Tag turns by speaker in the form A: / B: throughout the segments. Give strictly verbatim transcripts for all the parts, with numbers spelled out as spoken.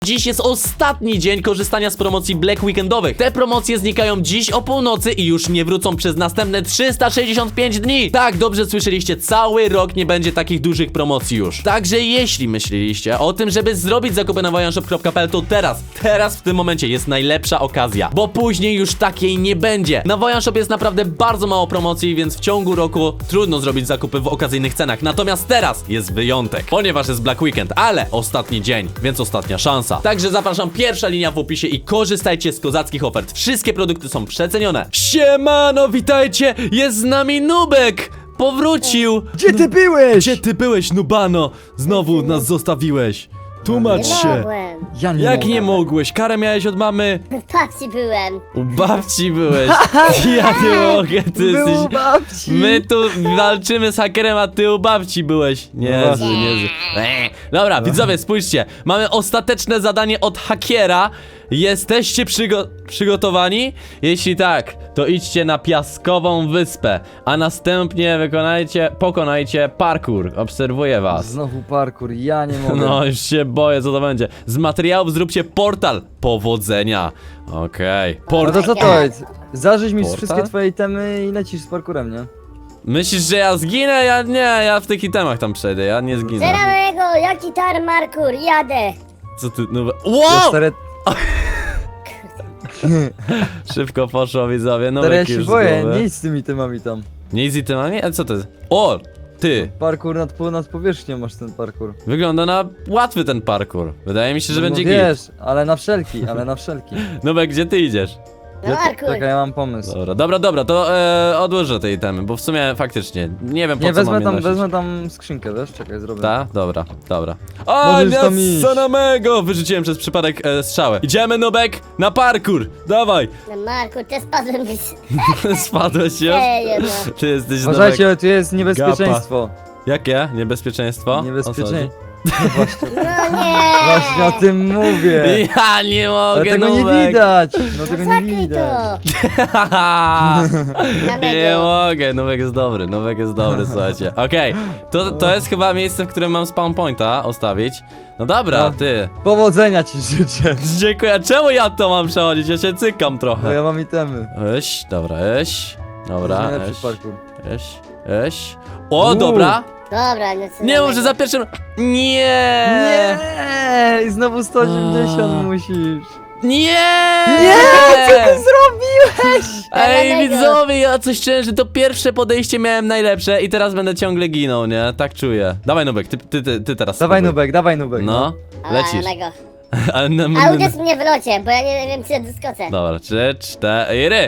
A: Dziś jest ostatni dzień korzystania z promocji Black Weekendowych. Te promocje znikają dziś o północy i już nie wrócą przez następne trzysta sześćdziesiąt pięć dni. Tak, dobrze słyszeliście, cały rok nie będzie takich dużych promocji już. Także jeśli myśleliście o tym, żeby zrobić zakupy na wojanshop kropka p l, to teraz, teraz w tym momencie jest najlepsza okazja, bo później już takiej nie będzie. Na Wojanshop jest naprawdę bardzo mało promocji, więc w ciągu roku trudno zrobić zakupy w okazyjnych cenach. Natomiast teraz jest wyjątek, ponieważ jest Black Weekend, ale ostatni dzień, więc ostatnia szansa. Także zapraszam, pierwsza linia w opisie i korzystajcie z kozackich ofert. Wszystkie produkty są przecenione. Siemano, witajcie! Jest z nami Nubek! Powrócił!
B: Gdzie ty byłeś?
A: Gdzie ty byłeś, Nubano? Znowu nas zostawiłeś. Tłumacz
C: Nie
A: się.
C: mogłem.
B: Ja nie
A: Jak
B: mogę.
A: nie mogłeś? Karę miałeś od mamy?
C: W babci byłem.
A: U babci byłeś. Ja nie mogę, ty
B: Był
A: jesteś...
B: babci.
A: My tu walczymy z hakerem, a ty u babci byłeś. Niezły,
B: właśnie.
A: niezły. Eee. Dobra, widzowie, spójrzcie. Mamy ostateczne zadanie od hakiera. Jesteście przygo przygotowani? Jeśli tak, to idźcie na Piaskową Wyspę, a następnie wykonajcie, pokonajcie parkour. Obserwuję was.
B: Znowu parkour, ja nie mogę.
A: No, już się boję, co to będzie. Z materiałów zróbcie portal. Powodzenia. Okej.
B: No
A: Portal.
B: to co to jest? Zażyć mi
A: Portal?
B: wszystkie twoje itemy i lecisz z parkurem, nie?
A: Myślisz, że ja zginę? Ja nie, ja w tych itemach tam przejdę, ja nie zginę.
C: Zeranego, jaki tar markur, jadę.
A: Co ty, no...
B: To
A: Wow!
B: stare,
A: Szybko poszło, widzowie, no
B: stare ja
A: już
B: się
A: z
B: boję,
A: głowy.
B: nie idź z tymi itemami tam.
A: Nie z itemami? A co to jest? O! Ty!
B: Parkour nad, po- nad powierzchnią masz ten parkour.
A: Wygląda na łatwy ten parkour. Wydaje mi się, że
B: No
A: będzie
B: wiesz,
A: git.
B: ale na wszelki, ale na wszelki.
A: Nubek, gdzie ty idziesz?
C: No markur.
B: Czekaj, ja mam pomysł.
A: Dobra, dobra, dobra, to e, odłożę te itemy, bo w sumie faktycznie nie wiem po
B: Nie,
A: co mam
B: wezmę
A: je
B: tam,
A: nosić.
B: wezmę tam skrzynkę, wiesz? Czekaj, zrobię.
A: Ta? Dobra, dobra. O,
B: Możesz tam iść.
A: samego! Wyrzuciłem przez przypadek e, strzałę. Idziemy, Nubek, na parkour! Dawaj!
C: No markur, też spadłem.
A: Spadłeś już?
C: Ej, no.
A: Ty jesteś
B: Uważajcie,
A: Nubek.
B: tu jest niebezpieczeństwo.
A: Jakie? Niebezpieczeństwo? O co
B: Niebezpieczeństwo.
C: No nie.
B: Właśnie o tym mówię.
A: chodzi? Ja nie
B: Ale
A: mogę,
B: tego nie
A: Nubek.
B: widać. No tego nie
C: Zakryj
B: widać.
C: to.
A: Nie
C: Danego.
A: mogę, Nubek jest dobry, Nubek jest dobry, słuchajcie. Okej, to, to jest chyba miejsce, w którym mam spawn pointa ostawić. No dobra,
B: No.
A: ty.
B: Powodzenia ci życzę.
A: Dziękuję, czemu ja to mam przechodzić? Ja się cykam
B: Bo
A: trochę.
B: ja mam itemy.
A: Eś, dobra, eś. Dobra,
B: To jest najlepszy
A: eś,
B: parkour.
A: eś, eś. O,
B: Uuu.
A: dobra.
C: Dobra, no co
A: Nie,
C: danego.
A: może za pierwszym... Nie!
B: Nie! I znowu sto osiemdziesiąt
A: A.
B: musisz.
A: Nie!
B: Nie! Co ty zrobiłeś?
A: Ej,
C: Danego.
A: widzowie, ja coś czułem, że to pierwsze podejście miałem najlepsze i teraz będę ciągle ginął, nie? Tak czuję. Dawaj, Nubek, ty, ty, ty, ty teraz
B: Dawaj
A: spróbuj.
B: Nubek, dawaj Nubek.
A: No,
C: A,
A: lecisz.
C: danego.
A: Ale na,
C: A uderz mnie w locie, bo ja nie wiem, czy ja doskoczę.
A: Dobra, trzy, cztery.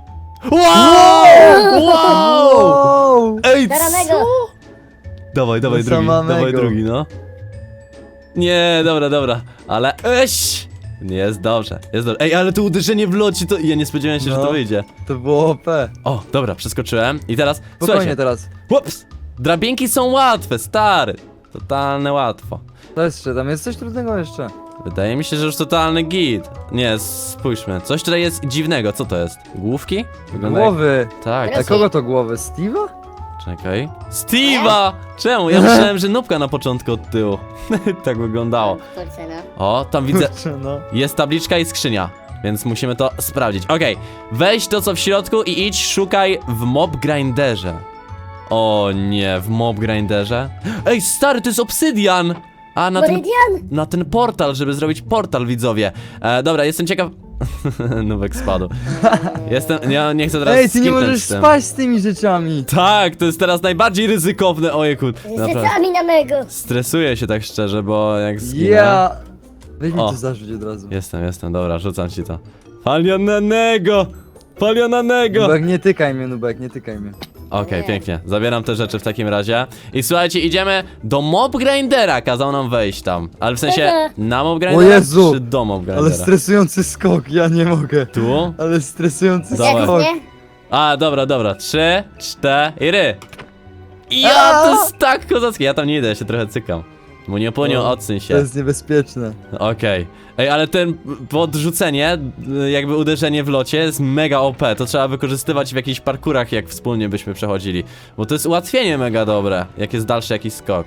A: Wow! Wow!
B: Wow!
A: Ej,
C: Zeranego.
A: co? Dawaj, dawaj
B: No
A: drugi,
B: samego.
A: dawaj drugi, no. Nie, dobra, dobra, ale eś! Nie, jest dobrze, jest dobrze. Ej, ale to uderzenie w locie, to ja nie spodziewałem się, że
B: No.
A: to wyjdzie.
B: To było O P.
A: O, dobra, przeskoczyłem i teraz,
B: Spokojnie
A: słuchajcie,
B: teraz.
A: ups, drabinki są łatwe, stary. Totalne łatwo.
B: To jeszcze, tam jest coś trudnego jeszcze.
A: Wydaje mi się, że już totalny git. Nie, spójrzmy, coś tutaj jest dziwnego, co to jest? Główki? Wygląda jak-
B: Głowy.
A: Tak,
B: A
A: tak.
B: kogo to głowy? Steve'a?
A: Czekaj. Steve'a! Czemu? Ja myślałem, że nubka na początku od tyłu. Tak wyglądało.
C: Kurczę, no.
A: O, tam widzę.
B: Kurczę, no.
A: Jest tabliczka i skrzynia. Więc musimy to sprawdzić. Okej, weź to co w środku i idź szukaj w mob grinderze. O nie, w mob grinderze. Ej, stary, to jest obsydian! A na ten,
C: Meridian?
A: na ten portal, żeby zrobić portal, widzowie. E, dobra, jestem ciekaw. Nubek spadł. Jestem. Ja nie chcę teraz
B: Ej, ty nie
A: skipnąć
B: możesz
A: z tym.
B: spać z tymi rzeczami.
A: Tak, to jest teraz najbardziej ryzykowne, ojejku.
C: Z
A: Naprawdę.
C: rzeczami na mego.
A: Stresuję się tak szczerze, bo jak zginę...
B: Ja. Weź mi
A: O.
B: to zarzuć od razu.
A: Jestem, jestem, dobra, rzucam ci to. Palionanego! Palionanego!
B: Nubek, nie tykaj mnie, Nubek, nie tykaj mnie.
A: Okej,
C: Nie.
A: pięknie. Zabieram te rzeczy w takim razie. I słuchajcie, idziemy do mob grindera. Kazał nam wejść tam. Ale w sensie na mob grindera,
B: O Jezu!
A: czy do mob
B: Ale
A: grindera?
B: stresujący skok, ja nie mogę.
A: Tu?
B: Ale stresujący
A: Dobra.
B: skok.
C: Jak nie?
A: A, dobra, dobra. Trzy, cztery. Ja, to jest tak kozackie. Ja tam nie idę, ja się trochę cykam. Muniu, puniu,
B: O,
A: odsuń
B: To
A: się.
B: jest niebezpieczne.
A: Okej. Ej, ale ten podrzucenie, y, jakby uderzenie w locie jest mega O P. To trzeba wykorzystywać w jakichś parkurach, jak wspólnie byśmy przechodzili. Bo to jest ułatwienie mega dobre, jak jest dalszy jakiś skok.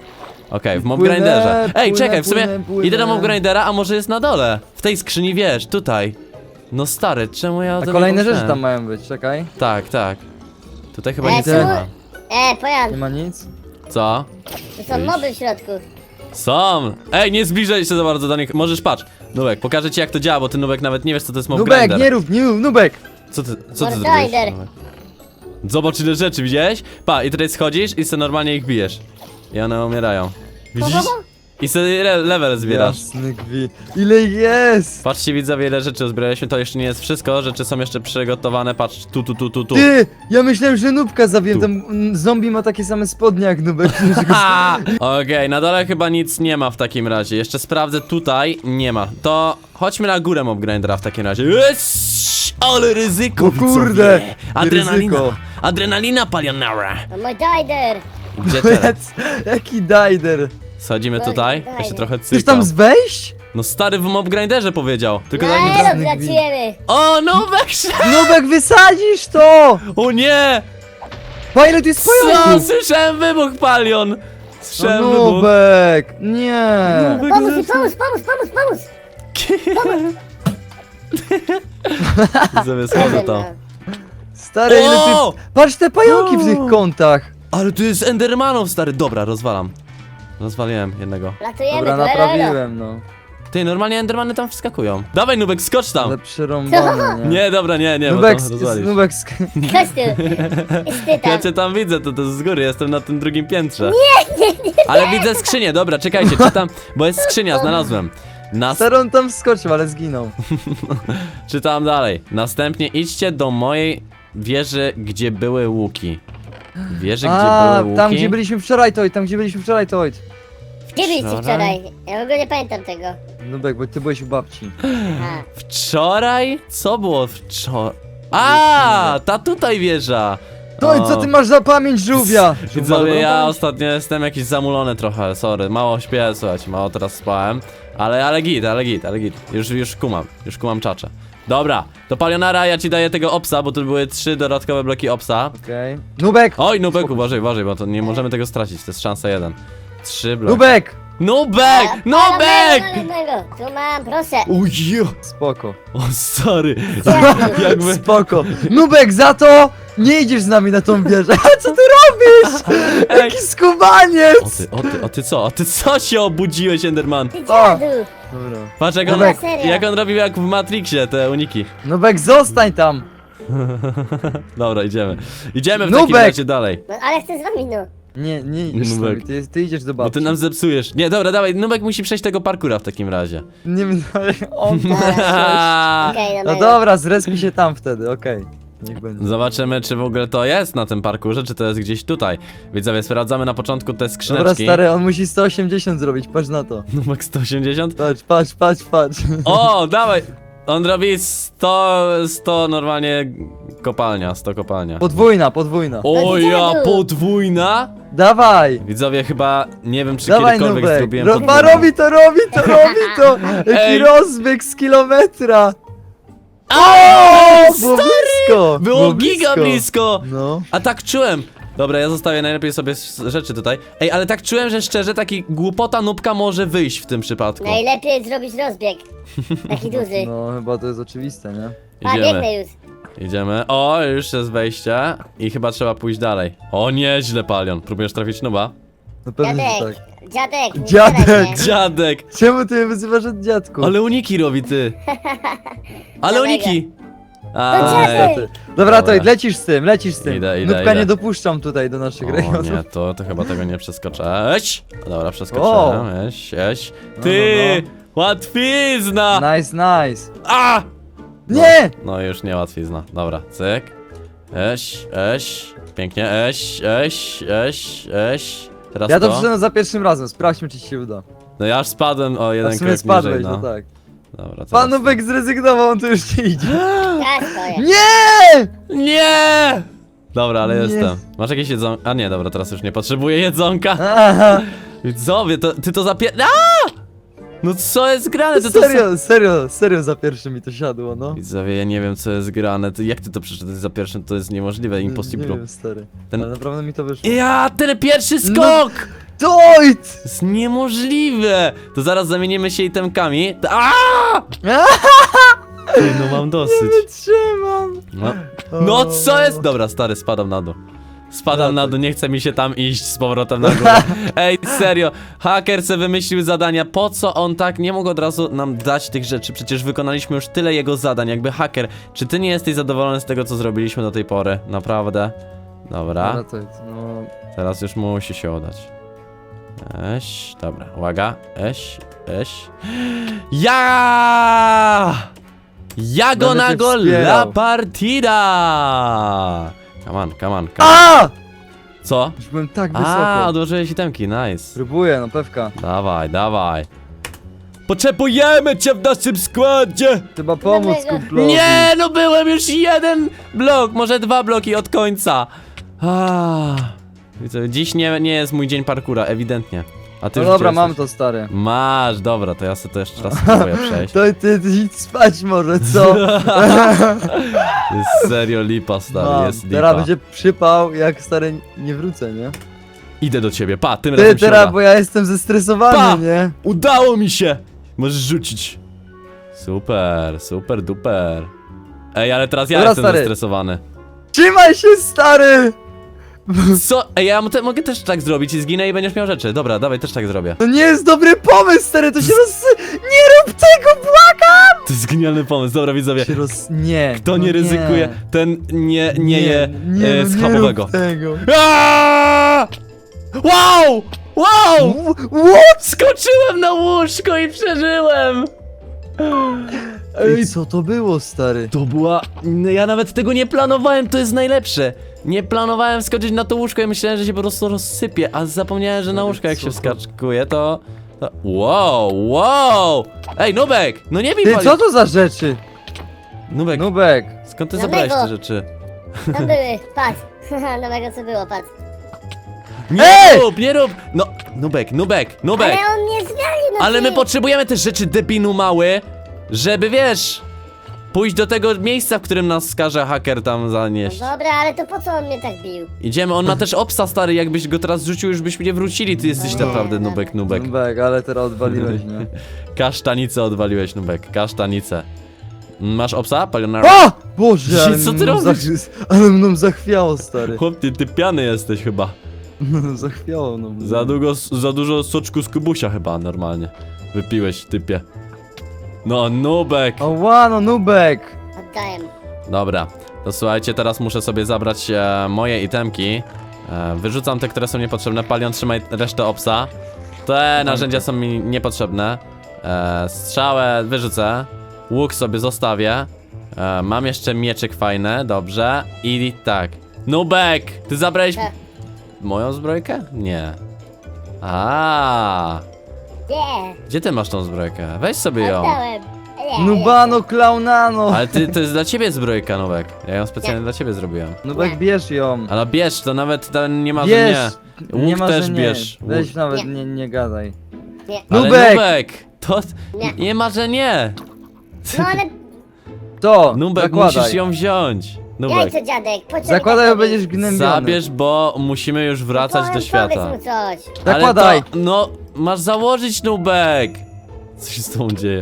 A: Okej, w mob
B: Płynę,
A: grinderze. Ej,
B: płynę,
A: czekaj, w sumie
B: płynę, płynę.
A: idę do mob grindera, a może jest na dole? W tej skrzyni, wiesz, tutaj. No stary, czemu ja o
B: A
A: tym nie
B: kolejne rzeczy
A: pomyślałem?
B: tam mają być, czekaj.
A: Tak, tak. Tutaj chyba
C: E,
A: nic
B: tu-
A: nie ma.
C: E, Pojan,
B: Nie ma nic?
A: Co?
C: tu są moby w środku.
A: Są! Ej, nie zbliżaj się za bardzo do nich. Możesz, patrz. Nubek, pokażę ci jak to działa, bo ty Nubek nawet nie wiesz co to jest mob
B: Nubek,
A: grinder.
B: nie rób, nie rób, Nubek!
A: Co ty, co ty
C: Mob
A: zrobiłeś?
C: grinder.
A: Nubek? Zobacz ile rzeczy, widziałeś? Pa, i tutaj schodzisz i sobie normalnie ich bijesz. I one umierają. Widzisz? I sobie le level zbierasz.
B: Jasny gwi. Ile ich jest?
A: Patrzcie widzowie ile rzeczy uzbraliśmy, to jeszcze nie jest wszystko, rzeczy są jeszcze przygotowane, patrz, tu, tu, tu, tu, tu.
B: Ty! Ja myślałem, że Nubka zabiłem,
A: Tu.
B: tam mm, zombie ma takie same spodnie jak Nubek.
A: Ha! Okej, na dole chyba nic nie ma w takim razie, jeszcze sprawdzę tutaj, nie ma. To chodźmy na górę mob grindera w takim razie. Eeś, ale ryzyko,
B: O kurde,
A: widzowie. Adrenalina,
B: ryzyko.
A: adrenalina palionara.
C: No mój Dider.
A: Gdzie teraz?
B: Jaki dajder.
A: Schodzimy tutaj, ja się trochę
B: Chcesz
A: cykam.
B: tam wejść?
A: No stary w mob grinderze powiedział, tylko
C: No
A: tak nie...
C: elo,
B: Nubek.
C: wracujemy.
A: O, Nubek się...
B: Nubek, wysadzisz to!
A: O nie!
B: Pa, ile tu jest
A: Co?
B: pająków?
A: Słyszałem wybuch, Palion! Słyszałem
B: No,
A: wybuch.
B: Nubek, nie.
A: Nubek
C: Pomóż mi,
A: zepsuł.
C: pomóż, pomóż, pomóż, pomóż.
A: Sobie schodzę tam.
B: Stary, ile
A: O!
B: ty... Patrz te pająki w tych kątach.
A: Ale tu jest Endermanów, stary. Dobra, rozwalam. Rozwaliłem jednego.
C: Latujemy,
B: Dobra,
C: tu, elo, elo.
B: naprawiłem, no.
A: Ty, normalnie Endermany tam wskakują. Dawaj, Nubek, skocz tam.
B: Ale przerąbane, nie?
A: Nie, dobra, nie, nie,
B: Nubek,
A: bo tam
B: sk-
A: rozwalisz.
B: Nubek, sk-
C: Chodź tu. Jest ty
A: Ja
C: tam.
A: cię tam widzę, to, to z góry, jestem na tym drugim piętrze. Nie, nie, nie. Ale widzę skrzynię, dobra, czekajcie, czytam, bo jest skrzynia, znalazłem. Nas...
B: stary, on tam wskoczył, ale zginął.
A: Czytam dalej. Następnie idźcie do mojej wieży, gdzie były łuki. Wieży, gdzie
B: A,
A: były łuki.
B: tam gdzie byliśmy wczoraj, Toid, tam gdzie byliśmy wczoraj, Toid.
C: Gdzie byliście
A: Wczoraj?
C: wczoraj? Ja w ogóle nie pamiętam tego.
B: Nubek, bo ty byłeś u babci.
C: A.
A: Wczoraj? Co było wczoraj? A, ta tutaj wieża.
B: Toid, co ty masz za pamięć, żółwia?
A: Widzowie, ja ostatnio jestem jakiś zamulony trochę, sorry. Mało śpię, słuchajcie, mało teraz spałem. Ale, ale git, ale git, ale git. Już, już kumam, już kumam czacze. Dobra, to Palionara, ja ci daję tego opsa, bo tu były trzy dodatkowe bloki opsa.
B: Okej. Nubek!
A: Oj, Nubek, uważaj, uważaj, bo to nie możemy tego stracić, to jest szansa jeden. Trzy bloki.
B: Nubek!
A: Nubek! Nubek!
C: Nubek! Tu mam, proszę.
A: Ujo!
B: Spoko.
A: O, sorry.
C: Dzięki.
A: Jakby...
B: Spoko. Nubek, za to nie idziesz z nami na tą wieżę. Co ty robisz?
A: Ej.
B: Jaki skubaniec!
A: O ty, o ty, o ty co? O ty co się obudziłeś, Enderman?
C: Ty dziadu.
B: Dobra.
A: Patrz jak on,
B: Nubek.
A: jak on robił jak w Matrixie, te uniki.
B: Nubek, zostań tam!
A: Dobra, idziemy. Idziemy w
B: Nubek.
A: takim razie dalej.
C: No ale chcę z wami, no.
B: Nie, nie idziesz z
A: Nubek.
B: nami, ty, ty idziesz do
A: Bo
B: babci.
A: ty nam zepsujesz. Nie, dobra, dawaj, Nubek musi przejść tego parkura w takim razie.
B: Nie wiem, ale on...
C: Okej,
B: No dobra, zrespi się tam wtedy, okej. Niech będzie.
A: Zobaczymy, czy w ogóle to jest na tym parkurze, czy to jest gdzieś tutaj. Widzowie, sprawdzamy na początku te
B: Dobra,
A: skrzyneczki.
B: stary, on musi sto osiemdziesiąt zrobić, patrz na to.
A: Nubek sto osiemdziesiąt?
B: Patrz, patrz, patrz, patrz.
A: O, dawaj! On robi sto, sto normalnie kopalnia, sto kopalnia.
B: Podwójna, podwójna.
A: O
C: gdzie
A: ja,
C: był?
A: podwójna?
B: Dawaj!
A: Widzowie, chyba nie wiem, czy
B: Dawaj,
A: kiedykolwiek
B: Nubek!
A: zrobiłem
B: Ro
A: podwójną.
B: ma, robi to, robi to, robi to! Jaki
A: Ej.
B: rozbieg z kilometra!
A: A,
B: Było blisko!
A: Było giga blisko!
B: No.
A: A tak czułem! Dobra, ja zostawię najlepiej sobie s- rzeczy tutaj. Ej, ale tak czułem, że szczerze taki głupota nubka może wyjść w tym przypadku.
C: Najlepiej zrobić rozbieg. Taki duży.
B: No, chyba to jest oczywiste, nie?
C: A,
A: Idziemy,
C: biegnę już.
A: idziemy. O, już jest wejście i chyba trzeba pójść dalej. O, nieźle, Palion. Próbujesz trafić nuba?
B: No pewnie, że
C: Dziadek,
B: tak.
C: dziadek, nie
B: Dziadek!
C: strzelaj mnie.
A: Dziadek!
B: Czemu ty mnie wyzywasz od dziadku?
A: Ale uniki robi, ty! Ale
C: Dawaj
A: uniki!
C: To
A: Aj.
C: dziadek!
B: Dobra,
A: Dobra.
B: to lecisz z tym, lecisz z tym.
A: Idę, idę,
B: Nubka
A: idę.
B: nie dopuszczam tutaj do naszych
A: O
B: rejonów.
A: nie, to, to chyba tego nie przeskoczę. Eś! Dobra, przeskoczyłem. Eś, eś. Ty!
B: no,
A: Łatwizna!
B: Nice, nice.
A: A!
B: Nie!
A: No już nie łatwizna. Dobra, cyk. Eś, eś. Pięknie, eś, eś, eś, eś. Teraz
B: Ja to
A: to.
B: przyszedłem za pierwszym razem, sprawdźmy czy ci się uda.
A: No ja aż spadłem o
B: A
A: jeden
B: w sumie
A: krok
B: spadłeś,
A: niżej,
B: no
A: no.
B: tak.
A: Dobra, teraz
B: Pan
A: to.
B: Nubek zrezygnował, on tu już nie idzie.
C: Ja stoję.
B: Nie!
A: Nie! Dobra, ale
B: Nie.
A: jestem. Masz jakieś jedzonko? A nie, dobra, teraz już nie potrzebuję jedzonka.
B: Aha.
A: Widzowie, to, ty to zapie... A! No co jest grane? To to
B: Serio, serio, serio za pierwszym mi to siadło, no.
A: Widzowie, ja nie wiem co jest grane. To jak ty to przeczytałeś za pierwszym? To jest niemożliwe,
B: Nie
A: impossible.
B: wiem, stary.
A: Ten-
B: Ale naprawdę mi to wyszło.
A: Ja, ten pierwszy
B: No.
A: skok!
B: Dojt!
A: To jest niemożliwe! To zaraz zamienimy się itemkami. A! Ej, no mam dosyć.
B: Trzymam!
A: No. no co jest? Dobra, stary, spadam na dół. Spadam na dół, nie chce mi się tam iść z powrotem na górę. Ej, serio, haker se wymyślił zadania, po co on tak nie mógł od razu nam dać tych rzeczy? Przecież wykonaliśmy już tyle jego zadań, jakby haker. Czy ty nie jesteś zadowolony z tego, co zrobiliśmy do tej pory? Naprawdę? Dobra,
B: Dobra, to jest, no...
A: teraz już musi się udać. Eś, dobra, uwaga, eś, eś. Ja! Ja go
B: Będę
A: na
B: cię
A: go la
B: wspierał.
A: partida! Come on, come on, come on.
B: A!
A: Co?
B: Już byłem tak
A: A,
B: wysoko.
A: odłożyłeś itemki, nice.
B: Próbuję, no pewka.
A: Dawaj, dawaj. Potrzebujemy cię w naszym składzie!
B: Trzeba pomóc
C: Dlaczego?
B: kumplowi.
A: Nie, no byłem już jeden blok, może dwa bloki od końca. Ah. Widzę, dziś nie, nie jest mój dzień parkura, ewidentnie. A ty
B: No
A: już
B: dobra,
A: gdzie
B: mam
A: jesteś?
B: to, stary.
A: Masz, dobra, to ja sobie to jeszcze raz spróbuję przejść.
B: To ty, ty idź spać może, co?
A: Jest serio lipa, stary,
B: Mam.
A: jest
B: Teraz
A: lipa.
B: będzie przypał, jak stary nie wrócę, nie?
A: Idę do ciebie, pa, tym
B: Ty
A: razem się
B: teraz,
A: uda.
B: bo ja jestem zestresowany,
A: Pa!
B: nie?
A: Udało mi się! Możesz rzucić. Super, super, duper. Ej, ale teraz ja
B: Dobra,
A: jestem
B: stary.
A: zestresowany.
B: Trzymaj się, stary!
A: Co? Ej, ja mo- te, mogę też tak zrobić i zginę i będziesz miał rzeczy. Dobra, dawaj, też tak zrobię.
B: To nie jest dobry pomysł, stary, to się roz... Nie rób tego, błagam!
A: To jest genialny pomysł, dobra widzowie.
B: Się roz... Nie.
A: Kto
B: no
A: nie ryzykuje, ten nie, nie, je
B: nie,
A: e,
B: no
A: schabowego.
B: Nie rób tego.
A: Aaaa! Wow! Wow!
B: What?
A: Skoczyłem na łóżko i przeżyłem!
B: Ej, co to było, stary?
A: To była... no ja nawet tego nie planowałem, to jest najlepsze. Nie planowałem skoczyć na to łóżko i myślałem, że się po prostu rozsypie, a zapomniałem, że na łóżko jak się
B: Co?
A: wskakuje, to... to... Wow, wow! Ej, Nubek! No nie bij
B: Ty,
A: pali-
B: co to za rzeczy?
A: Nubek,
B: Nubek.
A: skąd ty
C: Na
A: zabrałeś
C: mego.
A: te rzeczy?
C: Tam były, patrz. Nowego co było, patrz.
A: Nie
B: Ej!
A: rób, nie rób! No, Nubek, Nubek, Nubek!
C: Ale on nie zmienił, no
A: Ale my
C: ty.
A: potrzebujemy też rzeczy debinu mały, żeby wiesz... pójść do tego miejsca, w którym nas skaże haker tam zanieść.
C: No dobra, ale to po co on mnie tak bił?
A: Idziemy, on ma też obsa stary, jakbyś go teraz rzucił, już byśmy nie wrócili, ty jesteś
C: Nie,
A: naprawdę
C: dobra.
A: Nubek, Nubek.
B: Nubek, ale teraz odwaliłeś, nie?
A: Kasztanicę odwaliłeś, Nubek, kasztanicę. Masz obsa, palionara?
B: O! Boże, ale
A: Co ty
B: mną
A: robisz?
B: zach- Ale mną zachwiało, stary.
A: Chłop, ty, ty piany jesteś chyba.
B: Zachwiało mną.
A: Za, długo, za dużo soczku z kubusia chyba normalnie. Wypiłeś, typie. No, Nubek.
B: Ała, no Nubek!
C: Oddaję.
A: Dobra, to słuchajcie, teraz muszę sobie zabrać e, moje itemki. E, wyrzucam te, które są niepotrzebne. Palion, trzymaj resztę obsa. Te narzędzia są mi niepotrzebne. E, strzałę wyrzucę. Łuk sobie zostawię. E, mam jeszcze mieczyk fajny, dobrze. I tak. Nubek! Ty zabrałeś
C: E.
A: moją zbrojkę? Nie. A,
C: Nie,
A: gdzie ty masz tą zbrojkę? Weź sobie ją.
C: oddałem. Nie,
B: Nubano, klaunano!
A: Ale ty, to jest dla ciebie zbrojka, Nubek. Ja ją specjalnie dla ciebie zrobiłem.
B: Nubek, bierz ją.
A: Ale bierz, to nawet ten nie ma, że
B: Bierz!
A: nie.
B: Nie
A: Łuk
B: ma,
A: też
B: że nie.
A: bierz. Łuk.
B: Weź nawet,
C: Nie.
B: nie, nie gadaj.
C: Nie.
A: Ale
B: Nubek!
A: Nubek! To
C: Nie.
A: nie ma, że nie.
C: No ale
B: To,
A: Nubek,
B: zakładaj.
A: musisz ją wziąć. Nubek,
C: jajco dziadek, po co mi
B: Zakładaj,
C: tak
B: bo będziesz
C: robisz?
B: gnębiony.
A: zabierz, bo musimy już wracać do
C: Powiem,
A: świata.
C: Powiedz mu coś.
B: Zakładaj!
A: Ale to, no, masz założyć, Nubek. Co się z tobą dzieje?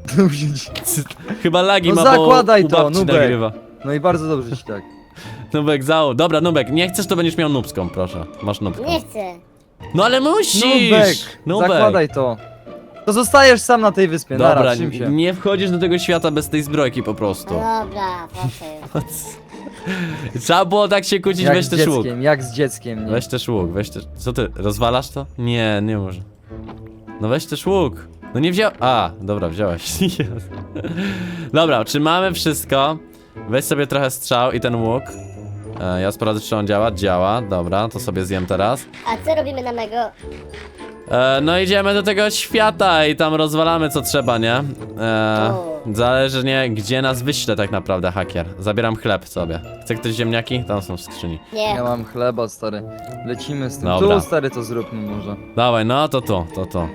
A: Chyba lagi
B: No
A: ma,
B: zakładaj
A: bo u
B: to,
A: babci
B: Nubek.
A: nagrywa.
B: No i bardzo dobrze ci tak.
A: Nubek, załóż. Dobra, Nubek, nie chcesz, to będziesz miał nubską, proszę. Masz nubską.
C: Nie chcę.
A: No ale musisz!
B: Nubek,
A: Nubek.
B: zakładaj to. To zostajesz sam na tej wyspie,
A: Dobra,
B: nara, czym się.
A: nie wchodzisz do tego świata bez tej zbrojki po prostu.
C: No dobra, proszę.
A: Trzeba było tak się kłócić,
B: Jak
A: weź
B: z
A: też łuk.
B: dzieckiem, jak z dzieckiem, nie?
A: Weź też łuk, weź też... Co ty, rozwalasz to? Nie, nie może. No weź też łuk. No nie wziął... A, dobra, wziąłeś. Jest. Dobra, czy mamy wszystko? Weź sobie trochę strzał i ten łuk. E, ja sprawdzę, czy on działa. Działa, dobra, to sobie zjem teraz.
C: A co robimy na mego?
A: E, no idziemy do tego świata i tam rozwalamy co trzeba, nie? E, zależy nie, gdzie nas wyśle tak naprawdę hakier. Zabieram chleb sobie. Chce ktoś ziemniaki? Tam są w skrzyni.
C: Nie.
B: Ja mam chleba, stary. Lecimy z tym.
A: Dobra.
B: Tu, stary, to zróbmy może.
A: Dawaj, no to to, to to.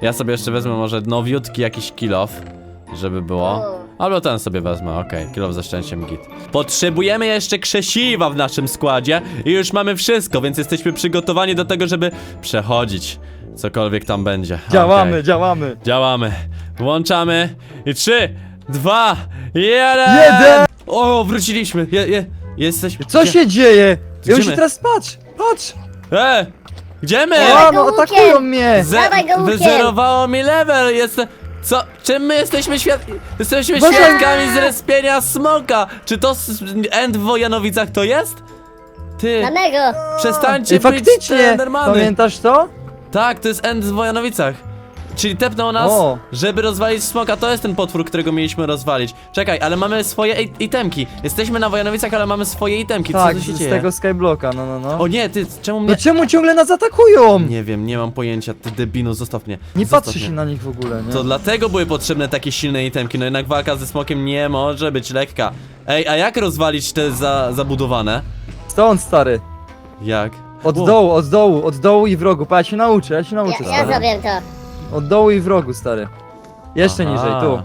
A: Ja sobie jeszcze wezmę może nowiutki jakiś kill off, żeby było.
C: O.
A: Albo ten sobie wezmę, okej, kill off ze szczęściem git. Potrzebujemy jeszcze krzesiwa w naszym składzie i już mamy wszystko, więc jesteśmy przygotowani do tego, żeby przechodzić. Cokolwiek tam będzie.
B: Działamy,
A: Okej.
B: działamy.
A: Działamy. Włączamy. I trzy, dwa, jeden.
B: Jeden!
A: O, wróciliśmy. Je, je, jesteśmy.
B: Co
A: gdzie?
B: się dzieje? Ja już
A: my?
B: teraz patrz, patrz!
A: E! Gdzie my?
C: Dawaj
B: O,
C: go
B: no
C: łukiem!
B: atakują mnie!
A: Ze-
C: Dawaj go łukiem!
A: Wyzerowało mi level. Jestem. Co? Czym my jesteśmy świad... Jesteśmy
B: Boże!
A: świadkami zrespienia smoka. Czy to s- end w Wojanowicach to jest? Ty,
C: Danego!
A: przestańcie
B: Ej,
A: być
B: faktycznie!
A: Endermany.
B: Pamiętasz to?
A: Tak, to jest end w Wojanowicach. Czyli tepnął nas,
B: O.
A: żeby rozwalić smoka. To jest ten potwór, którego mieliśmy rozwalić. Czekaj, ale mamy swoje i- itemki. Jesteśmy na Wojanowicach, ale mamy swoje itemki. Co
B: Tak,
A: tu się
B: z
A: dzieje?
B: tego skyblocka, no no no.
A: O nie, ty, czemu mnie...
B: No czemu ciągle nas atakują? Nie,
A: Nie wiem, nie mam pojęcia. Ty debinu, zostaw mnie. zostaw
B: patrzy
A: mnie.
B: się na nich w ogóle, nie?
A: To dlatego były potrzebne takie silne itemki. No jednak walka ze smokiem nie może być lekka. Ej, a jak rozwalić te za, zabudowane?
B: Stąd, stary.
A: Jak?
B: Od
A: Wow.
B: dołu, od dołu, od dołu i w rogu. Pa, ja się nauczę, ja się nauczę,
C: Ja, ja
B: stary.
C: zrobię to.
B: Od dołu i w rogu, stary. Jeszcze
A: Aha.
B: niżej, tu.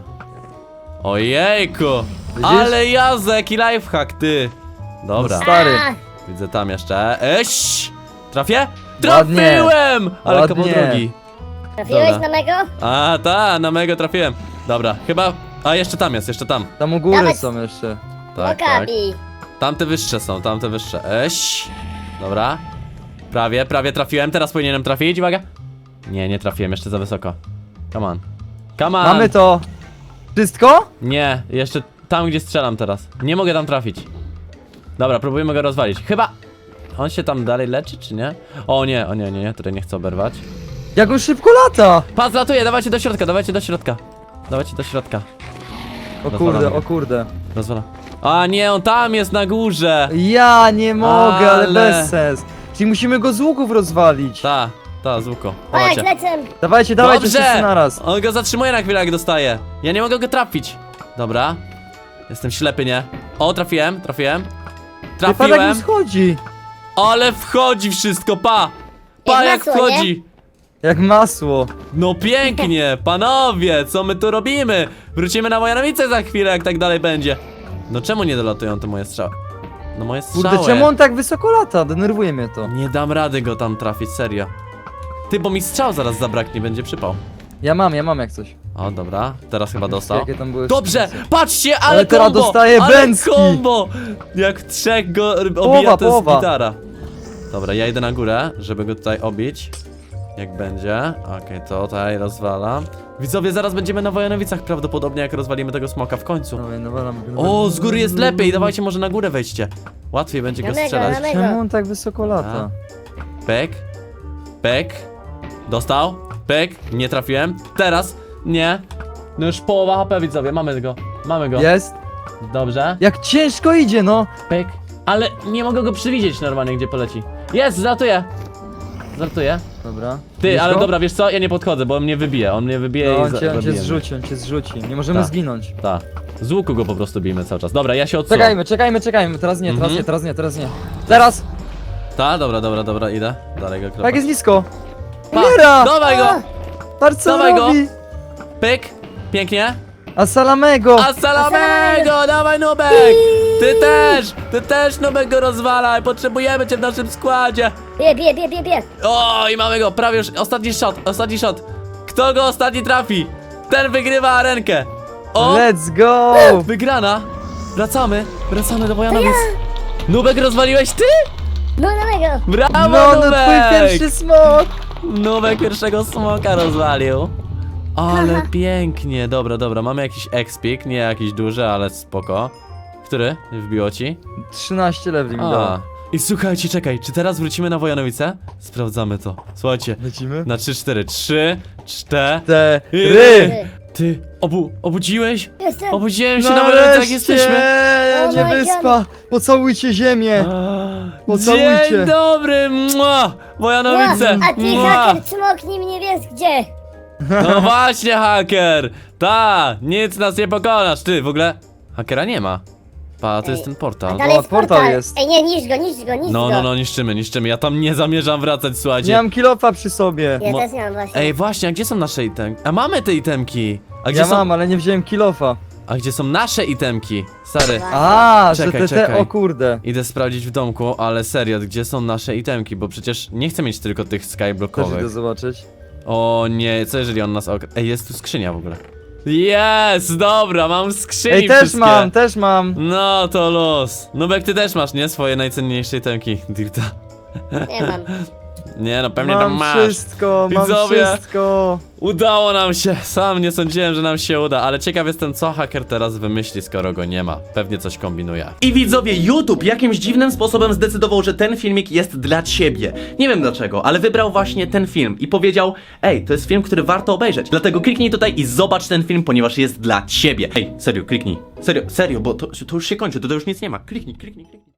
A: Ojejku!
B: Widzisz?
A: Ale jazda, jaki lifehack, ty! Dobra,
B: No stary.
C: A,
A: widzę tam jeszcze. Eś! Trafię?
B: Ładnie.
A: Trafiłem! Ale
B: Ładnie.
A: kawał drogi.
C: trafiłeś
A: Dobra.
C: na mego?
A: A, ta, na mego trafiłem. Dobra, chyba... A, jeszcze tam jest, jeszcze tam.
B: Tam u góry
C: Dawaj.
B: są jeszcze.
A: Tak, tak.
C: Okabi.
A: Tamte wyższe są, tamte wyższe. Eś. Dobra. Prawie, prawie trafiłem, teraz powinienem trafić, uwaga. Nie, nie trafiłem, jeszcze za wysoko. Come on. Come on.
B: Mamy to. Wszystko?
A: Nie, jeszcze tam, gdzie strzelam teraz. Nie mogę tam trafić. Dobra, próbujemy go rozwalić. Chyba... On się tam dalej leczy, czy nie? O nie, o nie, nie, nie, tutaj nie chcę oberwać.
B: Jak on szybko lata!
A: Pas latuje, dawajcie do środka, dawajcie do środka. Dawajcie do środka.
B: O
A: Rozwalamy
B: kurde,
A: go.
B: o kurde.
A: Rozwala. A nie, on tam jest na górze.
B: Ja nie mogę, ale,
A: Ale-
B: bez sens. Czyli musimy go z łuków rozwalić.
A: Ta, ta, z łuku.
C: O, jak
A: Dawajcie.
C: lecę!
B: Dawajcie, dawajcie wszyscy
A: Dobrze!
B: naraz.
A: On go zatrzymuje na chwilę, jak dostaje. Ja nie mogę go trafić. Dobra. Jestem ślepy, nie? O, trafiłem, trafiłem.
B: Wypadek
A: Trafiłem.
B: mu schodzi.
A: Ale wchodzi wszystko, pa! Pa,
C: Jak
A: jak
C: masło,
A: wchodzi!
B: Jak masło.
A: No pięknie, panowie, co my tu robimy? Wrócimy na Wojanowice za chwilę, jak tak dalej będzie. No czemu nie dolatują te moje strzały? No moje strzały.
B: Kurde, czemu on tak wysoko lata? Denerwuje mnie to.
A: Nie dam rady go tam trafić, serio. Ty, bo mi strzał zaraz zabraknie, będzie przypał.
B: Ja mam, ja mam jak coś.
A: O, dobra, teraz chyba dostał.
B: Jakie tam były
A: Dobrze, patrzcie, ale,
B: Ale teraz
A: kombo,
B: dostaje
A: ale
B: bęcki.
A: kombo! Jak trzech go obija,
B: Połowa,
A: to jest
B: połowa.
A: gitara. Dobra, ja idę na górę, żeby go tutaj obić. Jak będzie. Okej, to tutaj rozwalam. Widzowie, zaraz będziemy na Wojanowicach prawdopodobnie, jak rozwalimy tego smoka w końcu.
B: Dawaj, no, walam go.
A: O, z góry jest lepiej, dawajcie może na górę wejdźcie. Łatwiej będzie go
C: Na mego,
A: strzelać.
C: na mego.
B: Czemu on tak wysoko lata?
A: Pek. Pek. Dostał. Pek. Nie trafiłem. Teraz. Nie. No już połowa H P, widzowie, mamy go. Mamy go.
B: Jest?
A: Dobrze.
B: Jak ciężko idzie, no.
A: Pyk. Ale nie mogę go przewidzieć normalnie, gdzie poleci. Jest, żartuję. Żartuję.
B: Dobra.
A: Ty,
B: Widzisz
A: ale
B: go?
A: dobra, wiesz co? Ja nie podchodzę, bo on mnie wybije. On mnie wybije
B: No,
A: i
B: on
A: za-
B: cię, on cię
A: zabijemy.
B: zrzuci, on cię zrzuci. Nie możemy
A: Tak.
B: zginąć.
A: Tak. Z łuku go po prostu bijmy cały czas. Dobra, ja się odsuwam.
B: Czekajmy, czekajmy, czekajmy. Teraz nie, teraz
A: Mhm.
B: nie, teraz nie, teraz nie. Teraz!
A: Ta, dobra, dobra, dobra, idę. Dalej go
B: Tak
A: kropać.
B: jest nisko.
A: Pa,
B: Umiera!
A: Dawaj go!
B: Patrz co
A: dawaj go.
B: robi!
A: Pyk. Pięknie.
B: A salamego!
A: A salamego! Dawaj, Nubek! Ty też! Ty też, Nubek, go rozwalaj! Potrzebujemy cię w naszym składzie!
C: Bie, bie, bie, bie, bie.
A: O, i mamy go, prawie już, ostatni shot, ostatni shot. Kto go ostatni trafi? Ten wygrywa arenkę. O,
B: Let's go!
A: wygrana. Wracamy, wracamy do Wojanowic. Nubek, rozwaliłeś ty?
C: No, na mego.
A: Brawo,
B: No, no
A: Nubek!
B: twój pierwszy smok!
A: Nubek pierwszego smoka rozwalił. Ale pięknie, dobra, dobra, mamy jakiś expik, nie jakiś duży, ale spoko. Który? Wbiło ci?
B: trzynaście leveli mi dało.
A: A. I słuchajcie, czekaj, czy teraz wrócimy na Wojanowice? Sprawdzamy to. Słuchajcie,
B: Lecimy?
A: na trzy cztery. trzy, cztery.
B: Te
A: Ry.
B: ry!
A: Ty, obu, obudziłeś?
C: Jestem.
A: Obudziłem się na Wojanowic, jesteśmy.
C: Oh
B: nie
C: my
B: wyspa! Pocałujcie ziemię! Pocałujcie.
A: Dzień dobry, mua! Wojanowice,
C: A ty,
A: mua!
C: haker, czmoknij mnie, wiesz gdzie?
A: No właśnie, haker! Ta, nic nas nie pokonasz, ty, w ogóle... Hakera nie ma. Pa, to
C: Ej,
A: jest ten portal.
C: Dalej
B: O,
C: jest
B: portal
C: portal.
B: jest.
C: Ej, nie, niszcz go, niszcz go, niszcz
A: No,
C: go.
A: no, no, niszczymy, niszczymy. Ja tam nie zamierzam wracać, słuchajcie.
B: Nie mam kilofa przy sobie.
C: Ja
A: Mo-
C: też nie mam właśnie.
A: Ej, właśnie, a gdzie są nasze itemki? A mamy te itemki! A gdzie
B: Ja
A: są...
B: mam, ale nie wziąłem kilofa.
A: A gdzie są nasze itemki? Stary,
B: A, że
A: Czekaj,
B: te, te,
A: czekaj.
B: o kurde.
A: idę sprawdzić w domku, ale serio, gdzie są nasze itemki? Bo przecież nie chcę mieć tylko tych
B: Też
A: skyblockowych.
B: idę zobaczyć.
A: O nie, co jeżeli on nas ok... Ej, jest tu skrzynia w ogóle. Jest, dobra, mam skrzyni
B: Ej, też
A: wszystkie.
B: mam, też mam.
A: No to los. Nubek, ty też masz, nie? Swoje najcenniejsze itemki, Dirta.
C: Nie mam.
A: Nie no, pewnie tam
B: Mam
A: masz.
B: wszystko, mam
A: Widzowie.
B: wszystko.
A: Udało nam się, sam nie sądziłem, że nam się uda, ale ciekaw jestem, co haker teraz wymyśli, skoro go nie ma. Pewnie coś kombinuje.
D: I widzowie, YouTube jakimś dziwnym sposobem zdecydował, że ten filmik jest dla ciebie. Nie wiem dlaczego, ale wybrał właśnie ten film i powiedział: ej, to jest film, który warto obejrzeć. Dlatego kliknij tutaj i zobacz ten film, ponieważ jest dla ciebie. Ej, serio, kliknij. Serio, serio, bo to, to już się kończy, to, to już nic nie ma. Kliknij, kliknij, kliknij.